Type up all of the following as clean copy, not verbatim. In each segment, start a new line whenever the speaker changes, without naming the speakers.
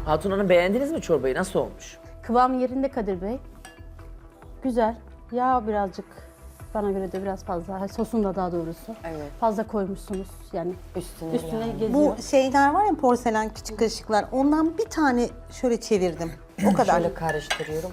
Hatun Hanım beğendiniz mi çorbayı? Nasıl olmuş?
Kıvam yerinde Kadir Bey. Güzel. Yağ birazcık bana göre de biraz fazla. Sosunda daha doğrusu.
Evet.
Fazla koymuşsunuz yani. Üstüne
yani.
geziyor.
Bu şeyler var ya, porselen küçük kaşıklar. Ondan bir tane şöyle çevirdim. O kadar.
Şöyle karıştırıyorum.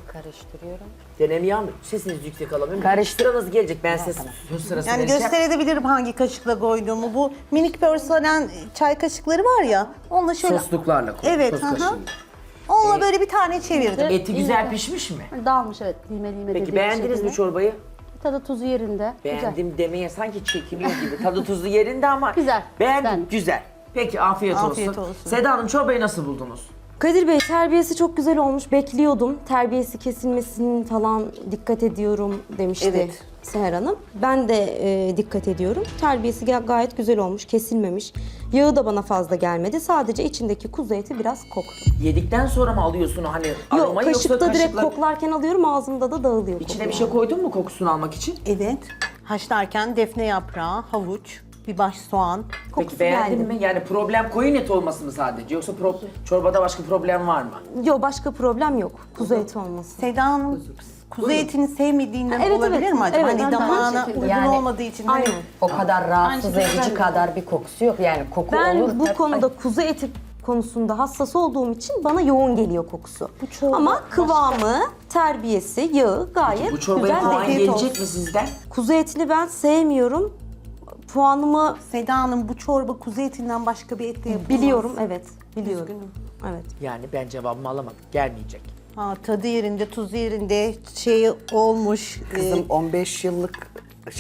Deneme alın. Sesiniz yüksek alamıyorum.
Karıştır.
Sıranız gelecek. Ben size söz sırası
Yani
vereceğim.
gösterebilirim hangi kaşıkla koyduğumu. Bu minik porselen çay kaşıkları var ya. Onunla şöyle...
Sosluklarla koy.
Evet.
sos
Hı hı.
kaşığıyla.
Onunla böyle bir tane çevirdim.
Eti güzel pişmiş mi?
Dağılmış evet. Lime lime
Peki
dediğim
beğendiniz mi
şekilde.
çorbayı?
Tadı tuzu yerinde. Güzel.
Beğendim demeye sanki çekiniyor gibi. Tadı tuzlu yerinde ama
Güzel.
beğendim.
Ben-
Güzel. Peki afiyet,
Afiyet
olsun.
olsun.
Seda Hanım çorbayı nasıl buldunuz?
Kadir Bey terbiyesi çok güzel olmuş. Bekliyordum. Terbiyesi kesilmesinin falan dikkat ediyorum demişti
Evet.
Seher Hanım. Ben de dikkat ediyorum. Terbiyesi gayet güzel olmuş. Kesilmemiş. Yağı da bana fazla gelmedi. Sadece içindeki kuzu eti biraz koktu.
Yedikten sonra mı alıyorsun o hani
Yok
aromayı
kaşıkta
yoksa
direkt
kaşıkla...
koklarken alıyorum. Ağzımda da dağılıyor.
İçine
koku
bir şey
yani.
koydun mu kokusunu almak için?
Evet. Haşlarken defne yaprağı, havuç, bir baş soğan.
Peki
Kokusu
beğendin
geldi.
mi? Yani problem koyun eti olması mı sadece? Yoksa çorbada başka problem var mı?
Yok başka problem yok. Kuzu eti olması.
Seda Hanım kuzu etini sevmediğinden
Evet,
olabilir
evet.
mi acaba?
Evet,
Hani
ben de aynı
damağına
şekilde.
uygun
Yani-
olmadığı için. Hani
Aynen.
O kadar rahatsız
Aynı şekilde
edici
ben de.
kadar bir kokusu yok. Yani koku olur.
Ben bu
tabii.
konuda kuzu eti konusunda hassas olduğum için bana yoğun geliyor kokusu.
çorba
Ama kıvamı, terbiyesi, yağı gayet
Bu çorbaya
güzel.
puan
Afiyet
gelecek
olsun.
mi sizden?
Kuzu etini ben sevmiyorum. Puanımı
Seda Hanım bu çorba kuzu etinden başka bir etle yapılmaz.
biliyorum, evet. Biliyorum. Evet.
Yani ben cevabımı alamadım. Gelmeyecek.
Ha, tadı yerinde, tuzu yerinde, şeyi olmuş.
Kızım 15 yıllık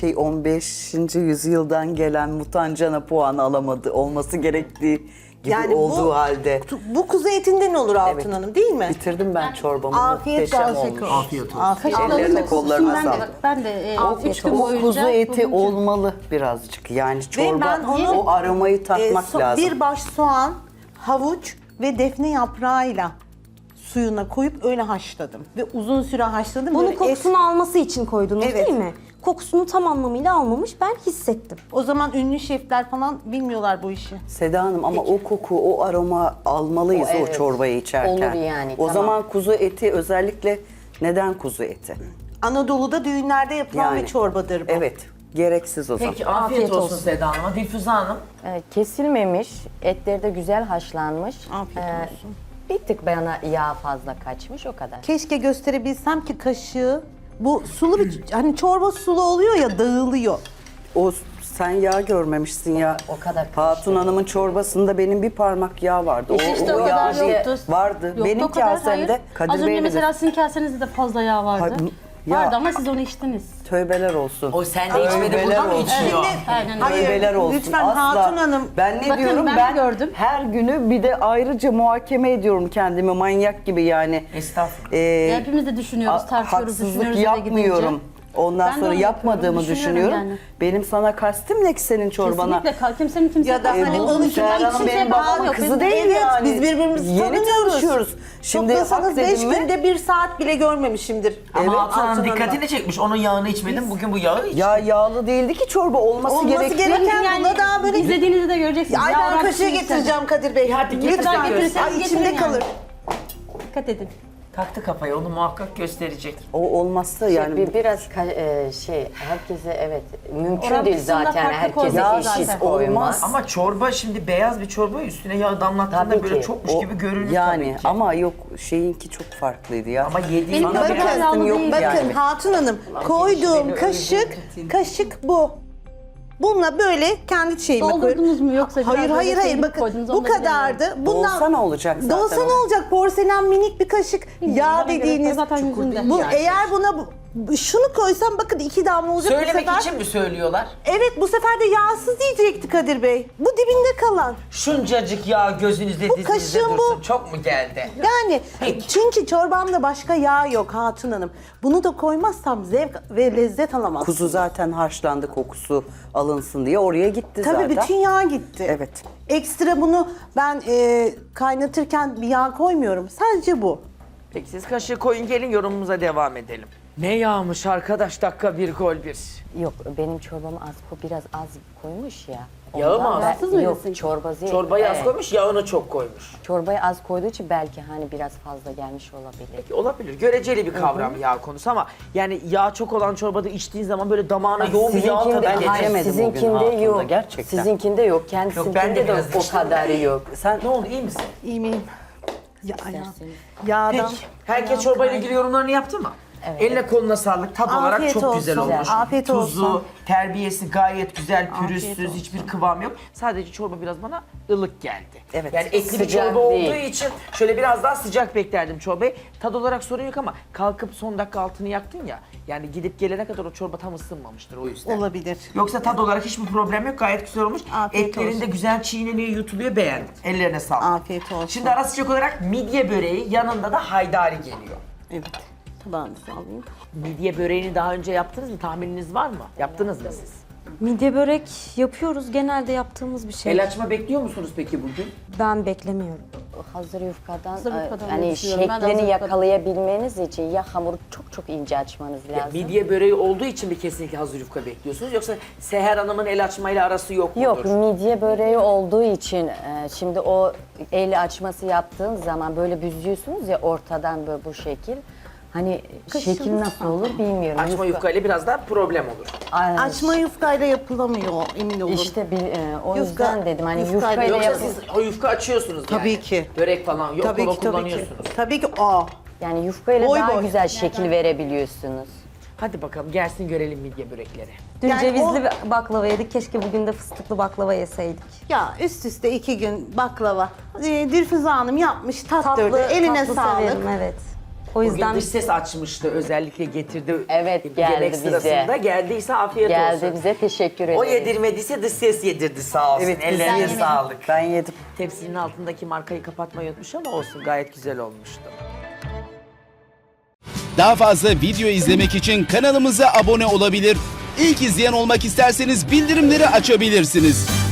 15. yüzyıldan gelen mutancana puanı alamadı olması gerektiği gibi olduğu halde.
Bu kuzu etinden olur Altın Hanım değil mi?
Bitirdim ben çorbamı.
Afiyet
Muhteşem
olsun.
olmuş.
Afiyet olsun.
Afiyet olsun.
Ellerine kollarına
Ben de,
sağlık.
ben de
Afiyet
3 gün
O
boyunca...
kuzu eti
bugünkü-
olmalı birazcık. Yani çorba
ben onu-
o aromayı tatmak lazım.
Bir baş soğan, havuç ve defne yaprağıyla suyuna koyup öyle haşladım. Ve uzun süre haşladım.
Bunu
Böyle
kokusunu alması için koydunuz
Evet.
değil mi? Kokusunu tam anlamıyla almamış, ben hissettim.
O zaman ünlü şefler falan bilmiyorlar bu işi.
Seda Hanım ama o koku, o aroma almalıyız
O
o,
evet.
çorbayı içerken.
Olur yani,
O
tamam.
zaman kuzu eti özellikle neden kuzu eti?
Anadolu'da düğünlerde yapılan
Yani.
bir çorbadır bu.
Evet, gereksiz o zaman.
Peki afiyet,
Afiyet
olsun,
olsun.
Seda Hanım'a. Dilfüze Hanım.
Kesilmemiş, etleri de güzel haşlanmış.
Afiyet olsun.
Bir tık bana yağ fazla kaçmış o kadar.
Keşke gösterebilsem ki kaşığı. Bu sulu bir, hani çorba sulu oluyor ya, dağılıyor.
O sen yağ görmemişsin ya.
O kadar
Hatun Hanım'ın çorbasında benim bir parmak yağ vardı.
İşte o kadar
yağ
yoktu.
Vardı.
Yoktu
Benim
o kadar, hayır.
kasemde
Az
Kadir
önce
Bey'le
mesela
de
sizin kasenizde de fazla yağ vardı.
Hayır, ya-
Vardı ama siz onu içtiniz.
tövbeler olsun.
O sen de içmedi, burada mı içiyor?
Aynen.
Hayır,
Tövbeler olsun.
lütfen
Asla.
Hatun Hanım.
Ben ne
Bakın,
diyorum?
ben de gördüm.
her günü bir de ayrıca muhakeme ediyorum kendimi manyak gibi yani.
Estağfurullah.
Hepimiz de düşünüyoruz, tartışıyoruz,
Haksızlık
düşünüyoruz eve
yapmıyorum.
gidince.
Ondan
Ben de
sonra
onu
yapmadığımı
yapıyorum,
düşünüyorum.
düşünüyorum yani.
Benim sana kastim ne ki senin çorbana?
Kesinlikle kimsenin kimseye
Ya da hani
kalkmadığı
onu
için
Seher
hiç
Hanım
kimseye
benim
bağlı
babamın
yok.
kızı
Bizim-
değil
Evet,
yani.
biz birbirimizi
Yeni
tanıyoruz.
tanışıyoruz. Şimdi
Toplasanız 5
dedim mi?
günde 1 saat bile görmemişimdir.
Ama Hatun Hanım
Altın Hanım'dan.
dikkatini çekmiş. Onun yağını içmedin, bugün bu yağı iç.
Ya yağlı değildi ki çorba olması,
Olması
gerektiği.
gereken buna daha böyle...
İzlediğinizde de göreceksiniz.
Ay
Yağ
ben
oran
kaşığı
kişinin
getireceğim Kadir Bey.
Hadi getir,
Lütfen.
göster.
Ay içimde
Getirin
kalır.
yani. Dikkat edin.
Taktı kafayı, onu muhakkak gösterecek.
O olmazsa yani
Biraz herkese evet mümkün
Oran
değil
kısmında
zaten
farklı
herkese
koyuyorlar
eşit
zaten.
koyulmaz.
Ama çorba şimdi beyaz bir çorba üstüne yağ damlattığında
Tabii
böyle
ki.
çokmuş gibi görünür
yani
tabii ki.
ama yok şeyinki çok farklıydı ya.
Ama yediğin
Benim
bana
bakın,
biraz...
yağlı
yok
değil.
Bakın
yani.
Hatun Hanım, koyduğum
beni
kaşık bu. Bununla böyle kendi şeyime koyuyorum.
Doldurdunuz mu yoksa biraz
Hayır
böyle
hayır hayır
şey mi
bakın
koydunuz,
bu
onu da
kadardı.
Dolsa ne olacak zaten?
Dolsa ne olacak? Porselen minik bir kaşık yağ
bana göre
dediğiniz.
zaten yüzünde.
Bu
Yani.
eğer buna şunu koysam bakın 2 damla olacak bu
Söylemek
sefer.
için mi söylüyorlar?
Evet bu sefer de yağsız diyecekti Kadir Bey. Bu dibinde kalan.
Şuncacık yağ gözünüzde
Bu
dizinizde
kaşığın
dursun.
bu.
Çok mu geldi?
Yani
Peki.
çünkü çorbamda başka yağ yok Hatun Hanım. Bunu da koymazsam zevk ve lezzet alamam.
Kuzu zaten haşlandı kokusu alınsın diye oraya gitti
Tabii
zaten.
bütün yağ gitti.
Evet.
Ekstra bunu ben kaynatırken bir yağ koymuyorum. Sadece bu.
Peki siz kaşığı koyun gelin yorumumuza devam edelim. Ne yağmış arkadaş, dakika bir gol bir.
Yok benim çorbamı biraz az koymuş ya.
Yağı mı az?
Rahatsız mı
Yok,
mısın?
çorbası.
Çorbayı az
evet.
koymuş, yağını çok koymuş.
Çorbayı az koyduğu için belki hani biraz fazla gelmiş olabilir.
Olabilir. Göreceli bir kavram yağ konusu ama yani yağ çok olan çorbada içtiğin zaman böyle damağına yoğun bir yağ tadı
Sizinkinde,
geliyor.
hayır,
yemedim bugün
sizinkinde
hayatımda,
yok.
gerçekten.
Sizinkinde yok.
Yok, ben de
Kendisinkinde de
biraz
o
içtim.
kadarı yok.
Sen ne oldu, iyi misin?
İyi miyim? Yağdan.
Peki. Herkes çorbayla ilgili yorumlarını yaptı mı?
Evet.
Eline koluna sağlık. Tat olarak
Afiyet
çok güzel
olsun.
olmuş.
Afiyet
Tuzu,
olsun.
terbiyesi gayet güzel, pürüzsüz,
olsun.
hiçbir kıvam yok. Sadece çorba biraz bana ılık geldi.
Evet.
Yani etli bir
Sıcak
çorba
değil.
olduğu için şöyle biraz daha sıcak beklerdim çorbayı. Tad olarak sorun yok ama kalkıp son dakika altını yaktın ya. Yani gidip gelene kadar o çorba tam ısınmamıştır o yüzden.
Olabilir.
Yoksa tad olarak hiçbir problem yok. Gayet güzel olmuş.
Afiyet
Etlerin de
olsun.
güzel çiğneniyor, yutuluyor. Beğendim. Ellerine sağlık.
Afiyet olsun.
Şimdi ara sıcak olarak midye böreği, yanında da haydari geliyor.
Evet. Tabağınızı alayım.
Midye böreğini daha önce yaptınız mı? Tahmininiz var mı? Yaptınız mı siz?
Midye börek yapıyoruz. Genelde yaptığımız bir şey.
El açma bekliyor musunuz peki bugün?
Ben beklemiyorum.
Hazır yufkadan,
Hazır yufkadan
hani
düşünüyorum. Ben de
şeklini
hazır yufkadan.
yakalayabilmeniz için ya hamuru çok çok ince açmanız
Ya,
lazım.
midye böreği olduğu için mi kesinlikle hazır yufka bekliyorsunuz? Yoksa Seher Hanım'ın el açmayla arası yok mudur?
Yok, midye böreği olduğu için şimdi o el açması yaptığın zaman böyle büzüyorsunuz ya ortadan böyle bu şekil. Hani şekil nasıl olur bilmiyorum.
Açma yufkayla biraz daha problem olur.
Ay,
Açma yufkayla yapılamıyor, emin olun.
İşte o
Yufka-
yüzden dedim hani
yufkayla
yufkayla
Yoksa
yapın.
siz o yufka açıyorsunuz yani.
Tabii ki.
Börek falan yok,
Tabii
kova
ki, tabii ki.
kullanıyorsunuz.
Tabii ki o.
Yani yufkayla
Boy
daha
boy.
güzel şekil verebiliyorsunuz.
Hadi bakalım gelsin görelim midye börekleri.
Dün
Yani
cevizli baklava yedik. Keşke bugün de fıstıklı baklava yeseydik.
Ya üst üste 2 gün baklava. Dilfüze Hanım yapmış, tattırdı.
Tatlı,
Eline
tatlı
sağlık.
severim, evet. O
Bugün
yüzden
dış ses açmıştı, özellikle getirdi.
Evet, geldi
yemek
bize.
sırasında. Geldiyse afiyet
Geldi
olsun.
bize teşekkür ederim.
O yedirmediyse dış ses yedirdi sağ olsun.
Evet,
Ellerine
biz
sağlık.
Ben yedim.
Tepsinin altındaki markayı kapatmayı unutmuş ama olsun, gayet güzel olmuştu.
Daha fazla video izlemek için kanalımıza abone olabilir. İlk izleyen olmak isterseniz bildirimleri açabilirsiniz.